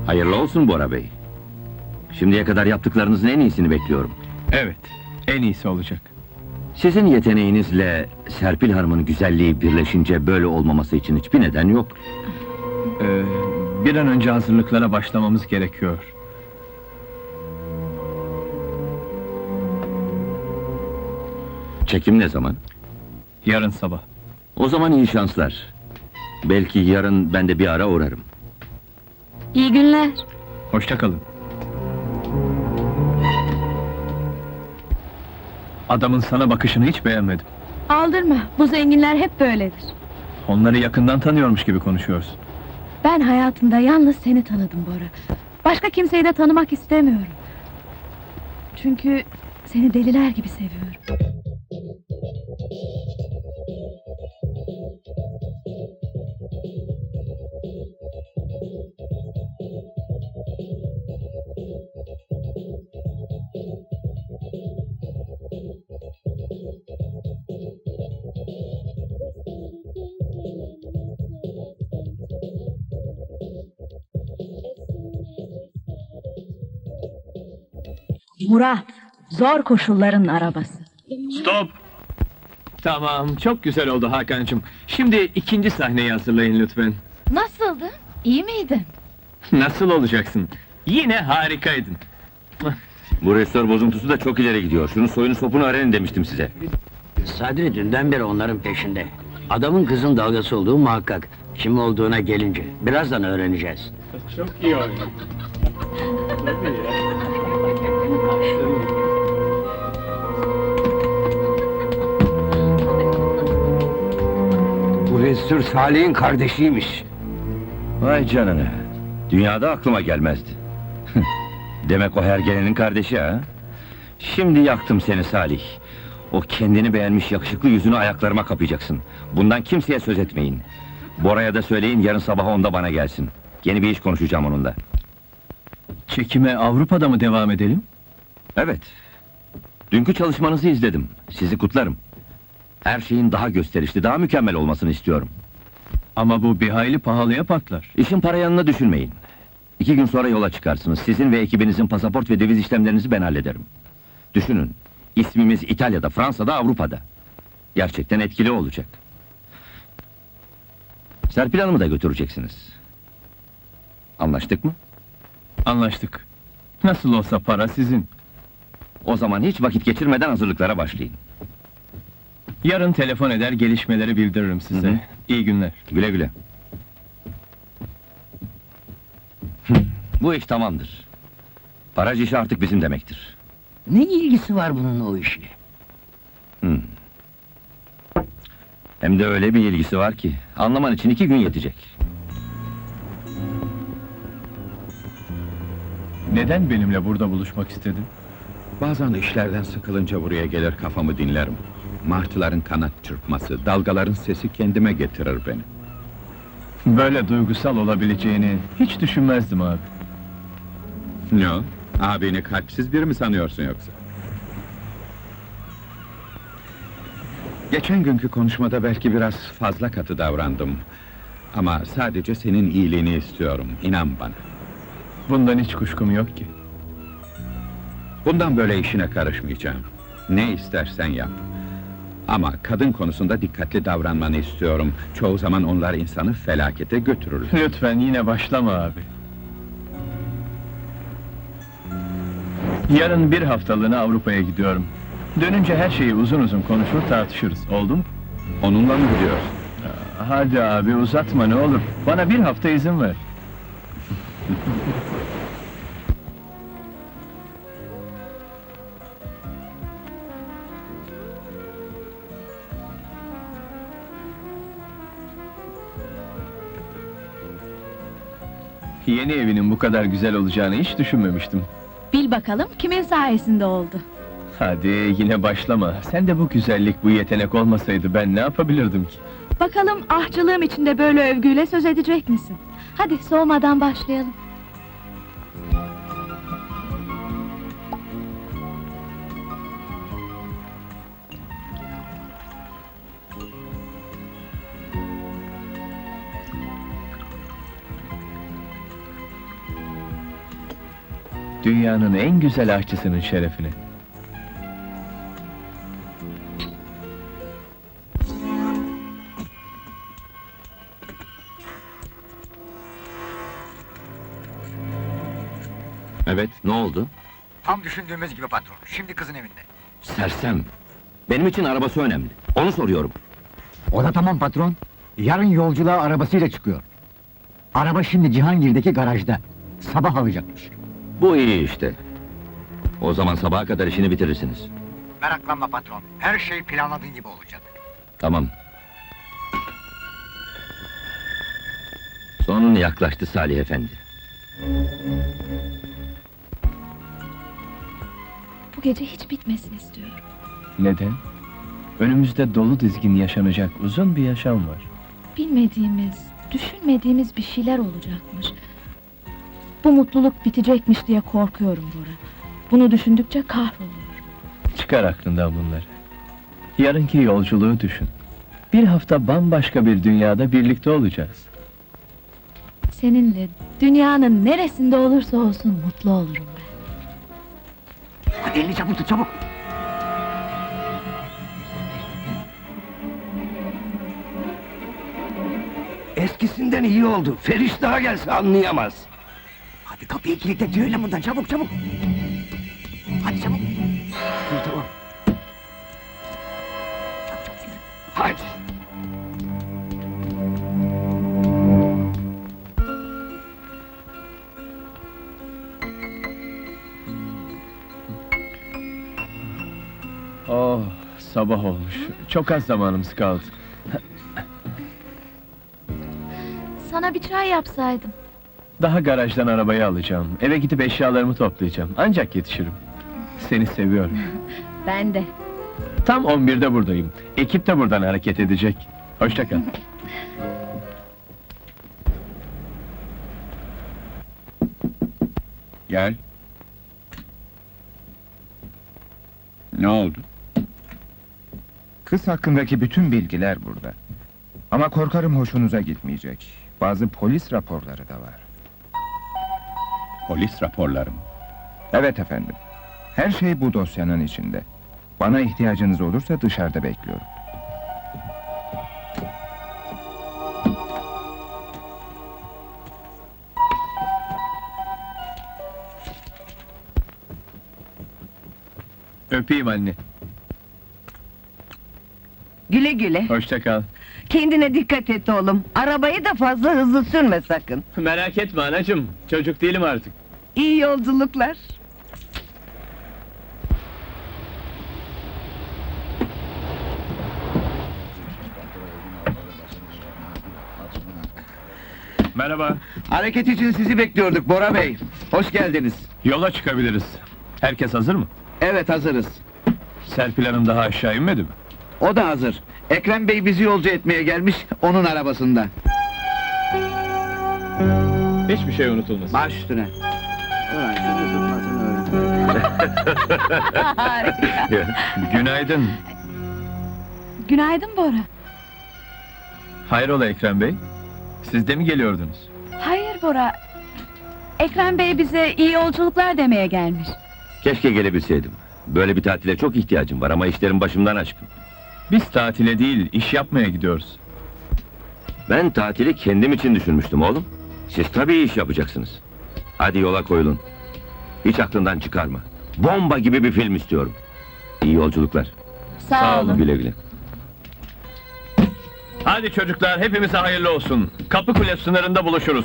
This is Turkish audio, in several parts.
Hayırlı olsun Bora Bey. Şimdiye kadar yaptıklarınızın en iyisini bekliyorum. Evet, en iyisi olacak. Sizin yeteneğinizle Serpil Hanım'ın güzelliği birleşince böyle olmaması için hiçbir neden yok. Bir an önce hazırlıklara başlamamız gerekiyor. Çekim ne zaman? Yarın sabah. O zaman iyi şanslar. Belki yarın ben de bir ara uğrarım. İyi günler. Hoşça kalın. Adamın sana bakışını hiç beğenmedim. Aldırma, bu zenginler hep böyledir. Onları yakından tanıyormuş gibi konuşuyorsun. Ben hayatımda yalnız seni tanıdım Bora. Başka kimseyi de tanımak istemiyorum. Çünkü seni deliler gibi seviyorum. Murat, zor koşulların arabası. Stop! Tamam, çok güzel oldu Hakan'cığım. Şimdi ikinci sahneyi hazırlayın lütfen. Nasıldı? İyi miydin? Nasıl olacaksın? Yine harikaydın. Bu restore bozuntusu da çok ileri gidiyor. Şunun soyunu sopunu öğrenin demiştim size. Sadri dünden beri onların peşinde. Adamın kızın dalgası olduğu muhakkak. Kim olduğuna gelince, birazdan öğreneceğiz. Çok iyi oldu. Bu Resul Salih'in kardeşiymiş. Vay canına. Dünyada aklıma gelmezdi. Demek o hergelenin kardeşi ha? Şimdi yaktım seni Salih. O kendini beğenmiş yakışıklı yüzünü ayaklarıma kapayacaksın. Bundan kimseye söz etmeyin. Bora'ya da söyleyin, yarın sabah 10'da bana gelsin. Yeni bir iş konuşacağım onunla. Çekime Avrupa'da mı devam edelim? Evet. Dünkü çalışmanızı izledim. Sizi kutlarım. Her şeyin daha gösterişli, daha mükemmel olmasını istiyorum. Ama bu bir hayli pahalıya patlar. İşin para yanına düşünmeyin. 2 gün sonra yola çıkarsınız. Sizin ve ekibinizin pasaport ve döviz işlemlerinizi ben hallederim. Düşünün, ismimiz İtalya'da, Fransa'da, Avrupa'da. Gerçekten etkili olacak. Serpil Hanım'ı da götüreceksiniz. Anlaştık mı? Anlaştık. Nasıl olsa para sizin. O zaman hiç vakit geçirmeden hazırlıklara başlayın. Yarın telefon eder, gelişmeleri bildiririm size. Hı hı. İyi günler. Güle güle. Bu iş tamamdır. Paraj işi artık bizim demektir. Ne ilgisi var bunun o işle? Hem de öyle bir ilgisi var ki, anlaman için 2 gün yetecek. Neden benimle burada buluşmak istedin? Bazen işlerden sıkılınca buraya gelir kafamı dinlerim. Martıların kanat çırpması, dalgaların sesi kendime getirir beni. Böyle duygusal olabileceğini hiç düşünmezdim abi. Ne o? Abini kalpsiz biri mi sanıyorsun yoksa? Geçen günkü konuşmada belki biraz fazla katı davrandım. Ama sadece senin iyiliğini istiyorum, inan bana. Bundan hiç kuşkum yok ki. Bundan böyle işine karışmayacağım. Ne istersen yap. Ama kadın konusunda dikkatli davranmanı istiyorum. Çoğu zaman onlar insanı felakete götürürler. Lütfen yine başlama abi. Yarın bir haftalığına Avrupa'ya gidiyorum. Dönünce her şeyi uzun uzun konuşur tartışırız, oldu mu? Onunla mı gidiyorsun? Hadi abi uzatma ne olur, bana bir hafta izin ver. Yeni evinin bu kadar güzel olacağını hiç düşünmemiştim. Bil bakalım kimin sayesinde oldu. Hadi yine başlama. Sen de bu güzellik, bu yetenek olmasaydı ben ne yapabilirdim ki? Bakalım ahçılığım içinde böyle övgüyle söz edecek misin? Hadi soğumadan başlayalım. Dünyanın en güzel aşçısının şerefine. Evet, ne oldu? Tam düşündüğümüz gibi patron. Şimdi kızın evinde. Sersem. Benim için arabası önemli. Onu soruyorum. O da tamam patron. Yarın yolculuğa arabasıyla çıkıyor. Araba şimdi Cihangir'deki garajda. Sabah alacakmış. Bu iyi işte. O zaman sabaha kadar işini bitirirsiniz. Meraklanma patron. Her şey planladığın gibi olacak. Tamam. Son yaklaştı Salih Efendi. Bu gece hiç bitmesin istiyorum. Neden? Önümüzde dolu dizgin yaşanacak uzun bir yaşam var. Bilmediğimiz, düşünmediğimiz bir şeyler olacakmış. Bu mutluluk bitecekmiş diye korkuyorum Bora. Bunu düşündükçe kahroluyorum. Çıkar aklından bunları. Yarınki yolculuğu düşün. Bir hafta bambaşka bir dünyada birlikte olacağız. Seninle dünyanın neresinde olursa olsun mutlu olurum ben. Hadi elini çabuk tut çabuk. Eskisinden iyi oldu. Feriş daha gelse anlayamaz. Hadi kapıyı kilitle tüyeyle buradan çabuk çabuk. Hadi çabuk. Tamam. Çabuk çabuk yürü. Hadi. Oh, sabah olmuş. Çok az zamanımız kaldı. Sana bir çay yapsaydım. Daha garajdan arabayı alacağım. Eve gidip eşyalarımı toplayacağım. Ancak yetişirim. Seni seviyorum. Ben de. Tam 11'de buradayım. Ekip de buradan hareket edecek. Hoşça kal. Gel. Ne oldu? Kız hakkındaki bütün bilgiler burada. Ama korkarım hoşunuza gitmeyecek. Bazı polis raporları da var. Polis raporları mı? Evet efendim. Her şey bu dosyanın içinde. Bana ihtiyacınız olursa dışarıda bekliyorum. Öpeyim anne. Güle güle. Hoşça kal. Kendine dikkat et oğlum. Arabayı da fazla hızlı sürme sakın. Merak etme anacığım. Çocuk değilim artık. İyi yolculuklar. Merhaba. Hareket için sizi bekliyorduk Bora Bey. Hoş geldiniz. Yola çıkabiliriz. Herkes hazır mı? Evet hazırız. Serpil Hanım daha aşağı inmedi mi? O da hazır. Ekrem Bey bizi yolcu etmeye gelmiş, onun arabasında. Hiçbir şey unutulmasın. Baş üstüne. Ulan şunu tutmasını öğren. Günaydın. Günaydın Bora. Hayrola Ekrem Bey? Siz de mi geliyordunuz? Hayır Bora. Ekrem Bey bize iyi yolculuklar demeye gelmiş. Keşke gelebilseydim. Böyle bir tatile çok ihtiyacım var ama işlerim başımdan aşkın. Biz tatile değil, iş yapmaya gidiyoruz. Ben tatili kendim için düşünmüştüm oğlum. Siz tabii iş yapacaksınız. Hadi yola koyulun. Hiç aklından çıkarma. Bomba gibi bir film istiyorum. İyi yolculuklar. Sağ olun. Güle güle. Hadi çocuklar, hepimize hayırlı olsun. Kapı Kule sınırında buluşuruz.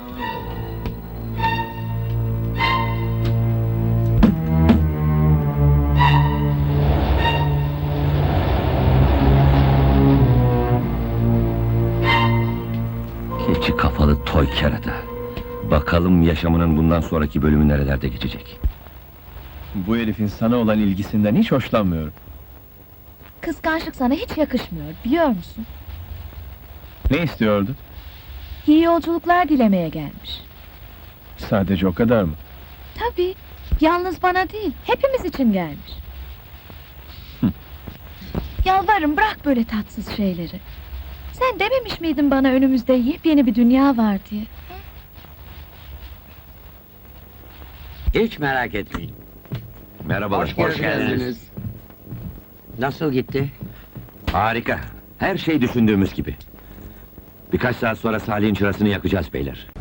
Keçi kafalı toy kerata. Bakalım yaşamının bundan sonraki bölümü nerelerde geçecek. Bu herifin sana olan ilgisinden hiç hoşlanmıyorum. Kıskançlık sana hiç yakışmıyor, biliyor musun? Ne istiyordu? İyi yolculuklar dilemeye gelmiş. Sadece o kadar mı? Tabii, yalnız bana değil, hepimiz için gelmiş. Yalvarırım, bırak böyle tatsız şeyleri. Sen dememiş miydin bana önümüzde yepyeni bir dünya var diye? Hiç merak etmeyin. Merhabalar. Hoş geldiniz. Nasıl gitti? Harika. Her şey düşündüğümüz gibi. Birkaç saat sonra Salih'in çırasını yakacağız beyler.